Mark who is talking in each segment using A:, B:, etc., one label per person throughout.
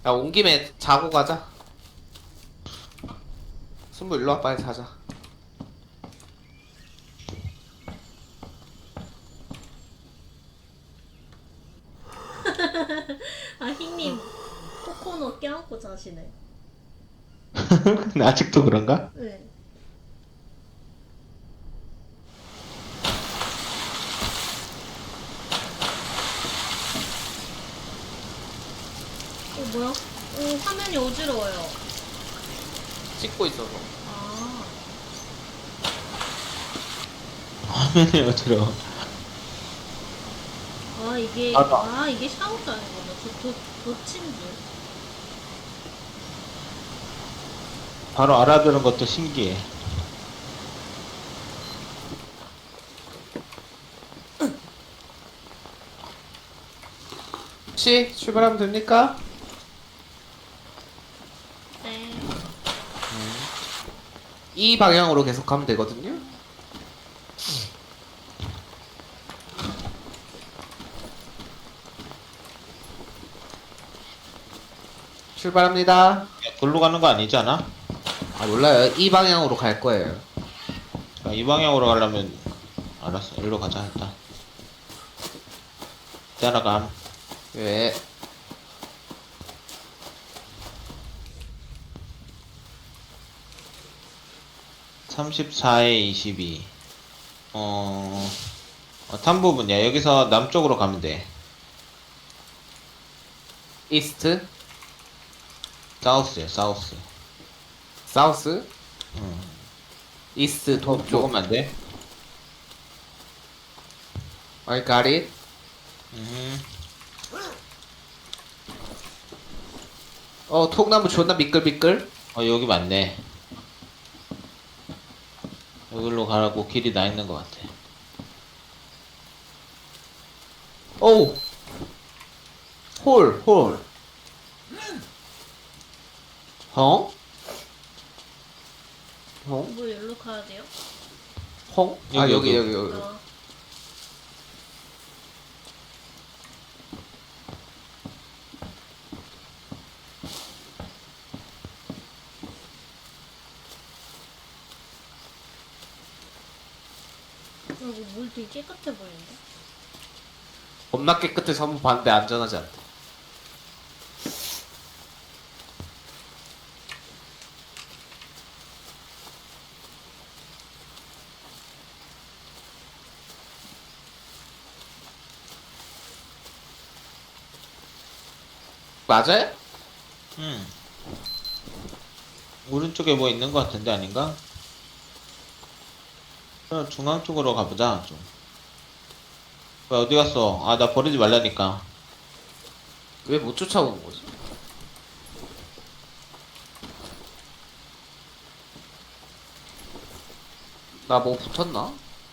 A: 야, 온 김에 자고 가자. 순부 일로 와, 빨리 자자.
B: 아, 흰님 코코넛 껴안고 자시네.
C: 근데 아직도 그런가?
B: 네. 뭐야? 화면이 어지러워요.
A: 찍고 있어서.
B: 아,
C: 화면이 어지러워.
B: 이게 샤워장이구나. 덧친 줄.
C: 바로 알아들은 것도 신기해.
A: 혹시 출발하면 됩니까?
B: 네.
A: 이 방향으로 계속 가면 되거든요. 출발합니다.
C: 글로 가는 거 아니지 않아?
A: 아, 몰라요. 이 방향으로 갈 거예요.
C: 아, 이 방향으로 가려면 알았어. 일로 가자 일단. 따라감.
A: 왜?
C: (34에 22) 탄 부분이야. 여기서 남쪽으로 가면 돼.
A: 이스트,
C: 사우스야 사우스.
A: 사우스,
C: 응.
A: 이스트, 동쪽.
C: 조금만 돼.
A: I got it. 통나무 존나 미끌미끌.
C: 여기 맞네. 여기로 가라고 길이 나 있는 것 같아.
A: 오우. 홀. 헝? 헝?
B: 뭐 여기로 가야 돼요?
A: 헝? 아,
C: 여기.
A: 여기.
B: 아, 이거 물 되게 깨끗해 보이는데?
A: 겁나 깨끗해서 한번 봤는데 안전하지 않대. 맞아요?
C: 오른쪽에 뭐 있는 것 같은데 아닌가? 중앙 쪽으로 가보자 좀. 어디 갔어? 아, 나 버리지 말라니까.
A: 왜 못 쫓아오는 거지? 나 뭐 붙었나?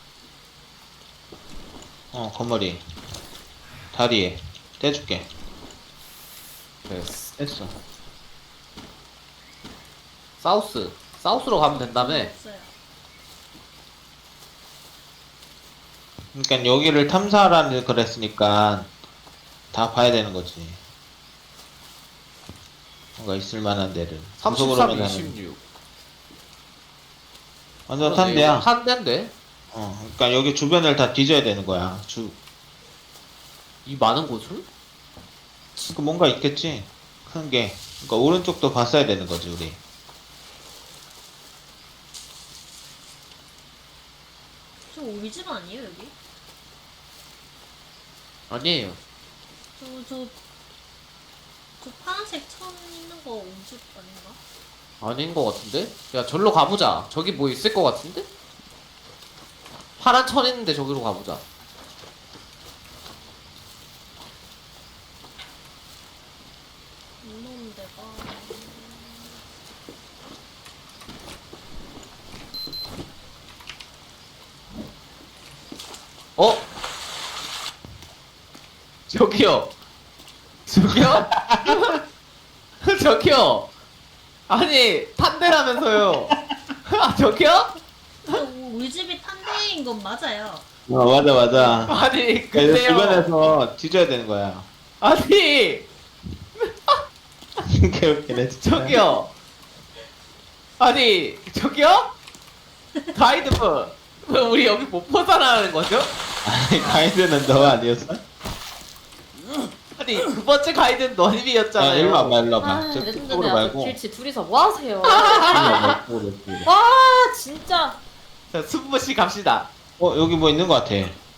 C: 건머리 다리에 떼줄게.
A: 됐어.
C: 뗐어.
A: 사우스로 가면 된다며.
B: 없어요.
C: 그러니까 여기를 탐사하라는 그랬으니까 다 봐야 되는 거지. 뭔가 있을 만한 데를.
A: 33,
C: 구석으로만
A: 26.
C: 완전 탄 데야.
A: 탄 데인데?
C: 그러니까 여기 주변을 다 뒤져야 되는 거야.
A: 이 많은 곳을?
C: 그러니까 뭔가 있겠지. 큰 게. 그러니까 오른쪽도 봤어야 되는 거지 우리.
B: 저 우리 집 아니에요, 여기?
A: 아니에요.
B: 저 파란색 천 있는 거 우리 집 아닌가?
A: 아닌 것 같은데? 야, 절로 가보자. 저기 뭐 있을 것 같은데? 파란 천 있는데 저기로 가보자.
B: 이놈 데가.
A: 어? 저기요. 저기요? 저기요. 아니, 탄대라면서요. 아, 저기요?
B: 우리 집이 탄대인 건 맞아요.
C: 맞아.
A: 아니,
C: 그러니까
A: 근데요.
C: 주변에서 뒤져야 되는 거야.
A: 아니,
C: 개웃기네 진짜.
A: 저기요. 아니 저기요? 가이드분 왜 우리 여기 못 벗어나는 거죠?
C: 아니 가이드는 너 아니었어?
A: 아니 두 번째 가이드는
C: 야
A: 너님이었잖아요.
C: 일로 와봐 일로 와봐.
D: 아,
C: 저 쪽으로
D: 레전드네요.
C: 말고.
D: 길치 둘이서 뭐 하세요?
C: 일로 와봐, 이쪽으로, 이쪽으로.
D: 와, 진짜.
A: 자 승부씨 갑시다.
C: 여기 뭐 있는 거 같아.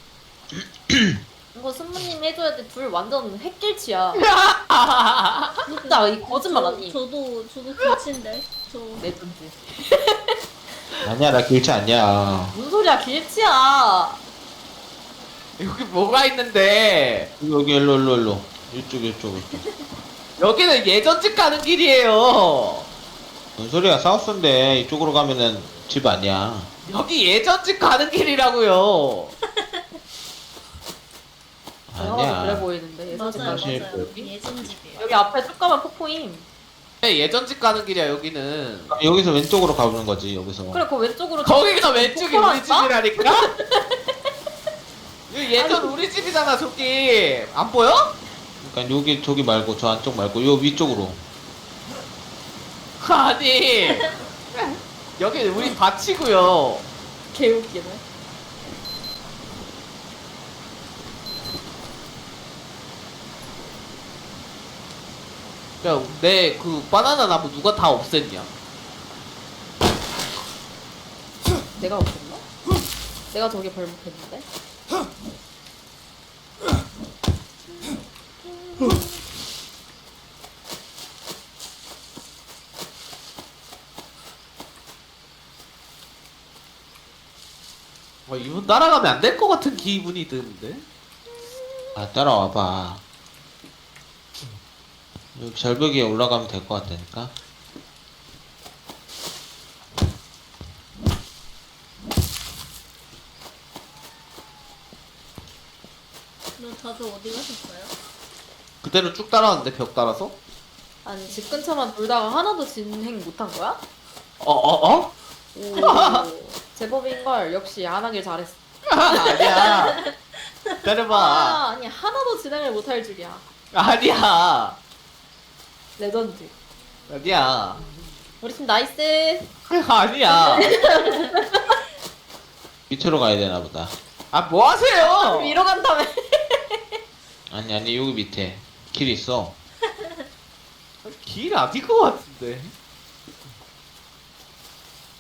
D: 이거 승무님 해줘야 돼. 둘 완전 핵길치야. 진짜 이 거짓말 아니.
B: 저도 길치인데. 저
D: 레전드.
C: 아니야 나 길치 아니야.
D: 무슨 소리야, 길치야.
A: 여기 뭐가 있는데?
C: 여기 일로. 이쪽.
A: 여기는 예전 집 가는 길이에요.
C: 뭔 소리야 사우스인데 이쪽으로 가면은 집 아니야.
A: 여기 예전 집 가는 길이라고요.
D: 영화가 그래
C: 아니야.
D: 보이는데 예전
B: 맞아요,
C: 사실
B: 맞아요.
C: 여기?
B: 예전 집이에요.
D: 여기 앞에 쭉 가면 폭포임.
A: 네, 예전 집 가는 길이야 여기는.
C: 여기서 왼쪽으로 가보는 거지 여기서.
D: 그래, 그 왼쪽으로.
A: 거기가 왼쪽이 우리
D: 폭포라니까?
A: 집이라니까? 여기 예전 우리 집이잖아 저기. 안 보여?
C: 그러니까 여기 저기 말고 저 안쪽 말고 요 위쪽으로.
A: 아니 여기 우리 밭이고요.
D: 개웃기네.
A: 야, 내 그 바나나 나무 누가 다 없앴냐?
D: 내가 없었나? 내가 저기 벌목했는데?
A: 이분 따라가면 안 될 것 같은 기분이 드는데?
C: 아 따라와봐. 여기 절벽 위에 올라가면 될 것 같다니까.
B: 그럼 다들 어디 가셨어요?
A: 그대로 쭉 따라왔는데 벽 따라서?
D: 아니, 집 근처만 돌다가 하나도 진행 못한 거야?
A: 어?
D: 오, 제법인걸. 역시 안 하길 잘했어.
A: 아니야. 기다려봐.
D: 아, 아니, 하나도 진행을 못할 줄이야.
A: 아니야.
D: 레전드.
A: 아니야.
D: 우리 팀 나이스.
A: 아니야.
C: 밑으로 가야 되나 보다.
A: 아, 뭐 하세요?
D: 위로 간다며.
C: 아니 여기 밑에 길 있어.
A: 길 아닌 것 같은데.